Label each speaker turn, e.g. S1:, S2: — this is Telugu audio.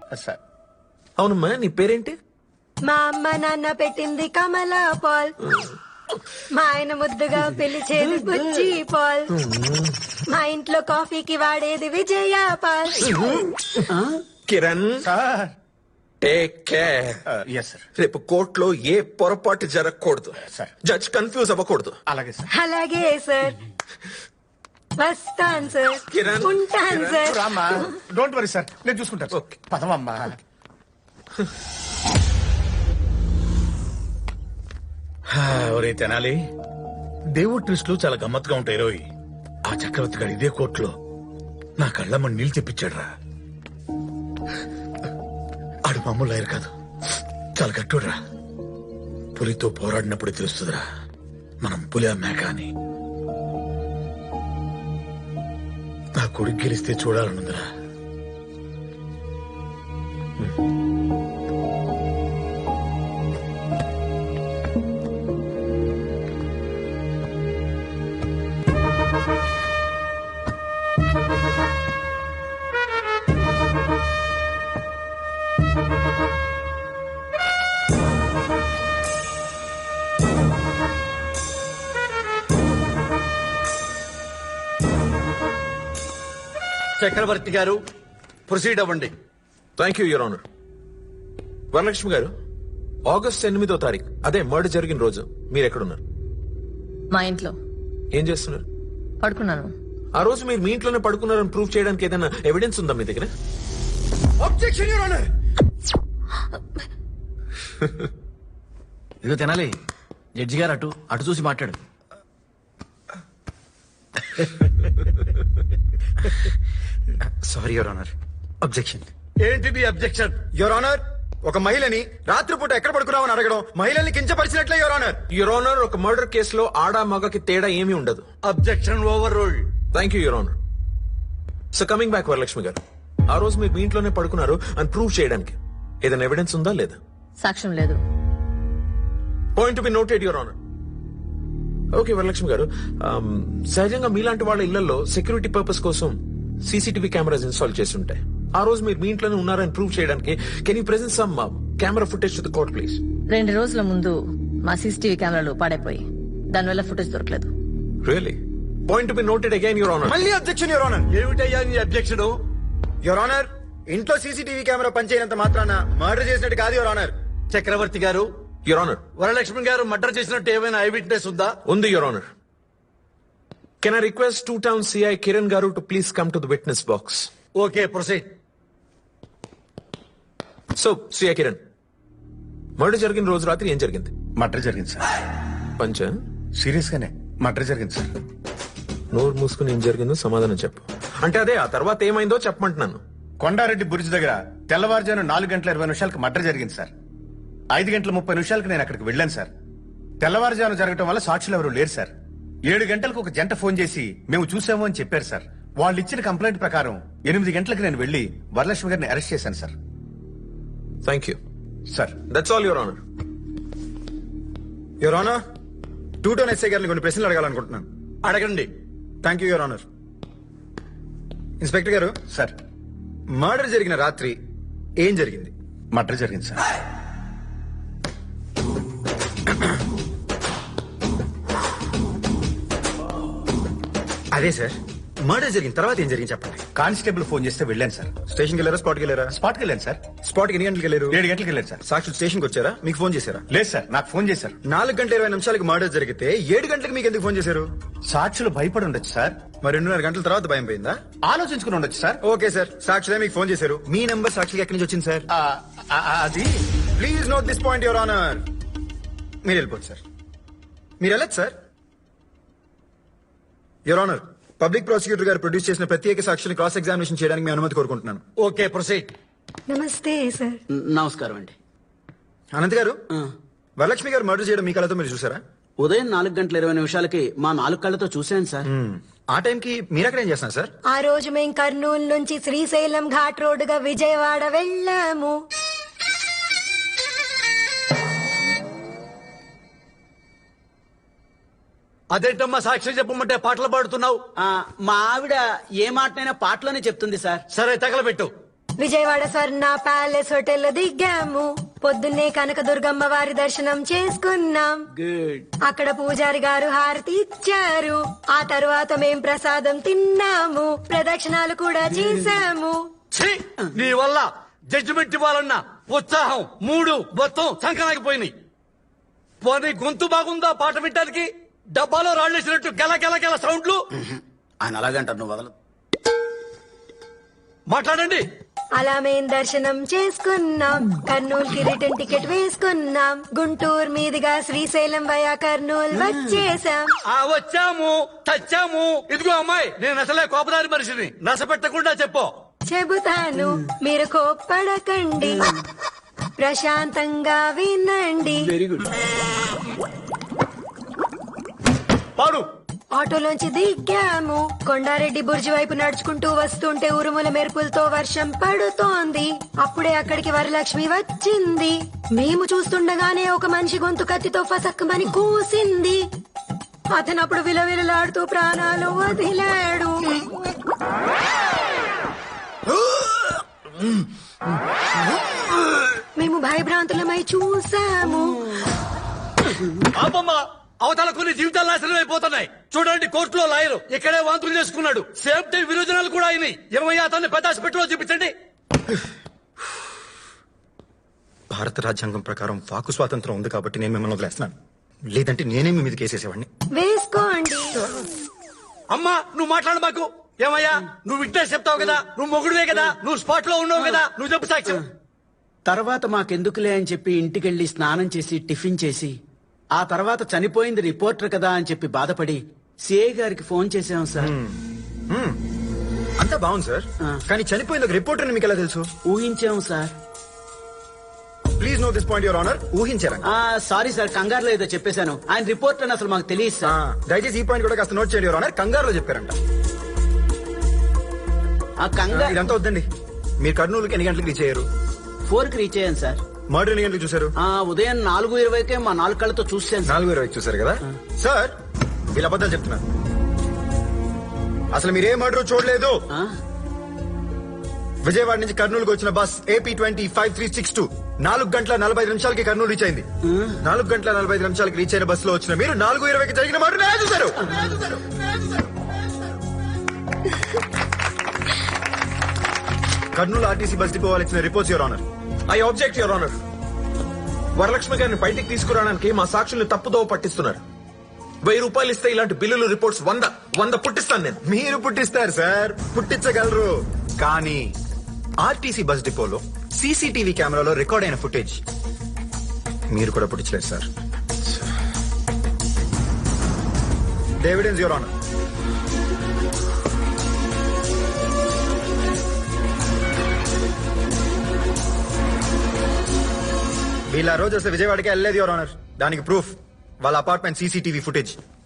S1: సార్.
S2: అవునమ్మా నీ పేరేంటి?
S3: మా అమ్మ నాన్న పెట్టింది కమలా పాల్, మా ఆయన ముద్దుగా పిలిచేది బుజ్జి పాల్, మా ఇంట్లో కాఫీకి వాడేది విజయ పాల్.
S2: Kiran
S1: sir.
S2: Take care.
S1: Yes sir.
S2: రేపు కోర్టులో ఏ పొరపాటు జరగకూడదు.
S1: సార్.
S2: జడ్జ్ కన్ఫ్యూజ్ అవ్వకూడదు.
S1: అలాగే సార్.
S3: అలాగే సార్. వస్తాను సార్.
S2: కిరణ్.
S3: ఉంటాను సార్.
S1: రామ్మా, డోంట్ వరీ సార్, నేను చూసుకుంటాను.
S2: ఓకే.
S1: పదమమ్మా.
S4: ఒరే తెనాలి, దేవుడి ట్విస్టులు చాలా గమ్మత్తుగా ఉంటాయి రోయ్. ఆ చక్రవర్తి గారు ఇదే కోర్టులో నా కళ్ళమ్మ నీళ్ళు తెప్పించాడురా. ఆడు మామూలు లాయర్ కాదు, చాలా గట్టుడురా. పులితో పోరాడినప్పుడు తెలుస్తుందిరా మనం పులి మేక అని. నా కొడుకు గెలిస్తే చూడాలనుందిరా.
S5: చక్రవర్తి గారు, ప్రొసీడ్ అవ్వండి.
S2: Thank you your honour. Varalakshmi గారు, ఆగస్ట్ 8వ తారీఖు అదే మర్డర్ జరిగిన రోజు మీరు ఎక్కడున్నారు?
S6: మా ఇంట్లో
S2: ఏం చేస్తున్నారు?
S6: పడుకున్నాను.
S2: ఆ రోజు మీరు మీ ఇంట్లోనే పడుకున్నారని ప్రూవ్ చేయడానికి ఏదైనా ఎవిడెన్స్ ఉందా మీ దగ్గర?
S5: Objection your honour.
S7: ఇదిగో తినాలి, జడ్జి గారు అటు అటు చూసి మాట్లాడు.
S8: Sorry your honour. అబ్జెక్షన్.
S5: ఏంటిది అబ్జెక్షన్?
S8: యువర్ ఆనర్, ఒక మహిళని రాత్రిపూట ఎక్కడ పడుకున్నామని అడగడం మహిళల్ని కించపరిచినట్లే యువర్ ఆనర్.
S2: యువర్ ఆనర్, ఒక మర్డర్ కేసులో ఆడా మగకి తేడా ఏమీ ఉండదు.
S5: Objection overruled.
S2: Thank you your honour. So coming back Varalakshmi గారు, ఆ రోజు మీరు మీ ఇంట్లోనే పడుకున్నారు అని ప్రూవ్ చేయడానికి ఏదైనా ఎవిడెన్స్ ఉందా లేదా?
S6: సాక్ష్యం లేదు.
S2: Point to be noted your honour. Okay Varalakshmi గారు, సహజంగా మీలాంటి వాళ్ళ ఇళ్లలో సెక్యూరిటీ పర్పస్ కోసం సీసీటీవీ కెమెరాస్ ఇన్స్టాల్ చేసి ఉంటాయి. ఆ రోజు మీరు మీ ఇంట్లోనే ఉన్నారని ప్రూవ్ చేయడానికి can you present some camera footage to the court please?
S6: 2 రోజుల ముందు మా సీసీటీవీ కెమెరాలు పాడైపోయి దానివల్ల ఫుటేజ్ దొరకలేదు.
S2: Really? Point to be noted again your honour.
S8: మళ్ళీ అబ్జెక్షన్ యువర్ ఆనర్.
S5: ఏమిటయ్యా నీ అబ్జెక్షన్?
S8: యువర్ ఆనర్, ఇంట్లో సీసీటీవీ కెమెరా పనిచేయనంత మాత్రాన మర్డర్ చేసినట్టు కాదు యువర్ ఆనర్.
S5: చక్రవర్తి గారు,
S2: యువర్ ఆనర్,
S5: వరలక్ష్మి గారు మర్డర్ చేసినట్టు ఏమైనా ఐ విట్నెస్ ఉందా?
S2: ఉంది your honour. Can I request 2 town CI Kiran గారు to please come to the witness box?
S5: Okay, proceed.
S2: So CI Kiran, murder జరిగిన రోజు రాత్రి ఏం జరిగింది?
S1: మర్డర్ జరిగింది సార్.
S2: పంచ
S1: సీరియస్ గానే మర్డర్ జరిగింది సార్.
S2: నోరు మూసుకుని ఏం జరిగిందో సమాధానం చెప్పు. అంటే అదే ఆ తర్వాత ఏమైందో చెప్పమంటున్నాను.
S1: కొండారెడ్డి బుర్జ్ దగ్గర తెల్లవారుజాను 4:20 మర్డర్ జరిగింది సార్. 5:30 నేను అక్కడికి వెళ్ళాను సార్. తెల్లవారుజాను జరగడం వల్ల సాక్షులు ఎవరు లేరు సార్. 7 గంటలకు ఒక జంట ఫోన్ చేసి మేము చూసాము అని చెప్పారు సార్. వాళ్ళు ఇచ్చిన కంప్లైంట్ ప్రకారం 8 గంటలకు నేను వెళ్లి వరలక్ష్మి గారిని అరెస్ట్ చేశాను sir.
S2: Thank you
S1: sir.
S2: That's all your honour.
S8: Your honour, 2 town SI గారిని కొన్ని ప్రశ్నలు అడగాలనుకుంటున్నాను.
S5: అడగండి.
S8: Thank you your honour. Inspector గారు,
S1: సార్.
S8: మర్డర్ జరిగిన రాత్రి ఏం జరిగింది?
S1: మర్డర్ జరిగింది సార్.
S8: అదే సార్, మర్డర్ జరిగిన తర్వాత ఏం జరిగింది చెప్పండి.
S1: కానిస్టేబుల్ ఫోన్ చేస్తే వెళ్ళాను సార్.
S8: స్టేషన్కి వెళ్ళారా, స్పాట్కి వెళ్ళారా?
S1: స్పాట్కి వెళ్ళాను సార్.
S8: స్పాట్కి ఎన్ని గంటలకు వెళ్ళారు?
S1: 7 గంటలకు వెళ్ళాను సార్.
S8: సాక్షులు స్టేషన్కి వచ్చారా, మీకు ఫోన్ చేశారా?
S1: లేదు సార్, నాకు ఫోన్ చేశారు.
S8: 4:20 మర్డర్ జరిగితే 7 గంటలకు మీకు ఎందుకు ఫోన్ చేశారు?
S1: సాక్షులు భయపడి ఉండొచ్చు సార్.
S8: మరి 2.5 గంటల తర్వాత భయం పోయిందా?
S1: ఆలోచించుకుని ఉండొచ్చు సార్.
S8: ఓకే సార్, సాక్షులే మీకు ఫోన్ చేశారు. మీ నంబర్ సాక్షికి ఎక్కడి నుంచి వచ్చింది సార్?
S1: అది
S8: please note this point your honour. మీరు వెళ్ళిపోవచ్చు సార్. మీరు వెళ్ళచ్చు sir. Your honour, public prosecutor గారు ప్రొడ్యూస్ చేసిన ప్రత్యేక సాక్షిని క్రాస్ ఎగ్జామినేషన్ చేయడానికి మీ అనుమతి కోరుకుంటున్నాను.
S5: Okay, proceed.
S3: నమస్తే సార్.
S7: నమస్కారం అండి.
S8: అనంత్ గారు, వరలక్ష్మి గారు మర్డర్ చేయడం మీ కళ్ళతో మీరు చూసారా?
S7: ఉదయం 4:20 మా 4 కళ్ళతో చూశాను సార్.
S8: ఆ టైంకి మీరు అక్కడ ఏం చేస్తున్నారు సార్?
S3: ఆ రోజు మేం కర్నూలు నుంచి శ్రీశైలం ఘాట్ రోడ్డుగా విజయవాడ వెళ్ళాము.
S5: అదేంటమ్మా సాక్షి చెప్పమంటే పాటలు పాడుతున్నావు?
S7: మా ఆవిడ ఏ మాటనైనా పాటలోనే చెప్తుంది సార్.
S5: సరే, తగలబెట్టు.
S3: విజయవాడ స్వర్ణ ప్యాలెస్ హోటల్ లో దిగాము. పొద్దున్నే కనకదుర్గమ్మ వారి దర్శనం చేసుకున్నాం. అక్కడ పూజారి గారు హారతి ఇచ్చారు. ఆ తర్వాత మేం ప్రసాదం తిన్నాము. ప్రదక్షిణాలు కూడా చేశాము.
S5: ఛీ! నీ వల్ల జడ్జిమెంట్ ఇవ్వాలన్నా ఉత్సాహం మూడు మొత్తం సంకనాగిపోయినాయి. పోనీ గొంతు బాగుందా పాట వినడానికి? డబ్బాలో రాళ్ళేసినట్టు గెల గెల గెల సౌండ్లు.
S7: ఆయన అలాగంటారు, నువ్వు వదలదు.
S5: మాట్లాడండి.
S3: అలా మేం దర్శనం చేసుకున్నాం. కర్నూలుకి రిటర్న్ టికెట్ వేసుకున్నాం. గుంటూరు మీదుగా శ్రీశైలం వయా కర్నూలు వచ్చేసాం.
S5: వచ్చాము చచ్చాము. ఇదిగో అమ్మాయి, నేను అసలే కోపదారి మనిషిని. నశ పెట్టకుండా చెప్పు.
S3: చెబుతాను, మీరు కోప్పడకండి, ప్రశాంతంగా వినండి.
S5: Very good. పాడు.
S3: ఆటోలోంచి దిగాము. కొండారెడ్డి బుర్జి వైపు నడుచుకుంటూ వస్తుంటే ఉరుముల మెరుపులతో వర్షం పడుతోంది. అప్పుడే అక్కడికి వరలక్ష్మి వచ్చింది. మేము చూస్తుండగానే ఒక మనిషి గొంతు కత్తితో ఫసక్కమని కూసింది. అతను అప్పుడు విలవిలలాడుతూ ప్రాణాలు వదిలాడు. మేము భయభ్రాంతులమై చూసాము.
S5: పాపమ్మ, అవతల కొన్ని జీవితాలు నాశనం అయిపోతున్నాయి. చూడండి, కోర్టులో లాయరు ఇక్కడే వాంతులు చేసుకున్నాడు. సేఫ్టీ విరోచనాలు కూడా అయినాయి. ఏమయ్యా, అతన్ని పెద్ద హాస్పిటల్లో చూపించండి.
S8: భారత రాజ్యాంగం ప్రకారం వాకు స్వాతంత్రం ఉంది కాబట్టి నేను మిమ్మల్ని వదిలేస్తున్నాను. లేదంటే నేనే మీ మీద కేసేసేవాడిని.
S3: వేసుకోండి.
S5: అమ్మా, నువ్వు మాట్లాడు మాకు. ఏమయ్యా, నువ్వు వింటే చెప్తావు కదా. నువ్వు మొగుడువే కదా. నువ్వు స్పాట్ లో ఉన్నావు కదా. నువ్వు చెప్పు సాక్ష్యం.
S9: తర్వాత మాకెందుకులే అని చెప్పి ఇంటికెళ్లి స్నానం చేసి టిఫిన్ చేసి ఆ తర్వాత చనిపోయింది రిపోర్టర్ కదా అని చెప్పి బాధపడి సిఐ గారికి ఫోన్ చేసాం సార్.
S8: అంతా బాగుంది సార్, కానీ చనిపోయింది ఒక రిపోర్టర్ అని మీకు ఎలా తెలుసు?
S9: ఊహించాం sir.
S8: Please note this point your honour. ఊహించారా?
S9: సారీ సార్, కంగారులో ఏదో చెప్పేశాను. ఆయన రిపోర్టర్ అని అసలు మాకు తెలియదు సార్.
S8: దయచేసి ఈ పాయింట్ కూడా కాస్త నోట్ చేయండి యువర్ ఆనర్. కంగారులో చెప్పారంట. ఇదంతా వద్దండి. మీరు కర్నూలుకి ఎన్ని గంటలకు రీచ్ అయ్యారు?
S9: 4కి రీచ్ అయ్యాను సార్.
S8: మర్డర్ ఎన్ని గంటలకు చూసారు?
S9: ఉదయం 4:20కే మా 4 కళ్ళతో చూసాను.
S8: 4:20 చూసారు కదా సార్? వీళ్ళ అబద్ధాలు చెప్తున్నారు. అసలు మీరే మర్డర్ చూడలేదు. విజయవాడ నుంచి కర్నూలుకి వచ్చిన బస్ AP-20-5362 4 గంటల 45 నిమిషాలకి కర్నూలు రీచ్ అయింది. 4 గంటల 45 నిమిషాలకి రీచ్ అయిన బస్ లో వచ్చిన మీరు 4:20కి జరిగిన మర్డర్ ఎలా చూసారు? కర్నూలు ఆర్టీసీ బస్ డిపో వాళ్ళు ఇచ్చిన reports your honour.
S2: I object your honour. Varalakshmi గారిని బయటికి తీసుకురావడానికి మా సాక్షుల్ని తప్పుదోవ పట్టిస్తున్నారు. 1000 రూపాయలు ఇస్తే ఇలాంటి బిల్లులు రిపోర్ట్స్ 100 పుట్టిస్తాను నేను.
S8: మీరు పుట్టిస్తారు సార్, పుట్టించగలరు. కానీ ఆర్టీసీ బస్ డిపోలో సీసీటీవీ కెమెరాలో రికార్డ్ అయిన ఫుటేజ్ మీరు కూడా పుట్టించలేదు సార్. Evidence your honour. వీళ్ళ రోజు వస్తే విజయవాడకి వెళ్ళలేదు యువర్ ఆనర్. దానికి ప్రూఫ్ వాళ్ళ అపార్ట్మెంట్ సీసీటీవీ ఫుటేజ్.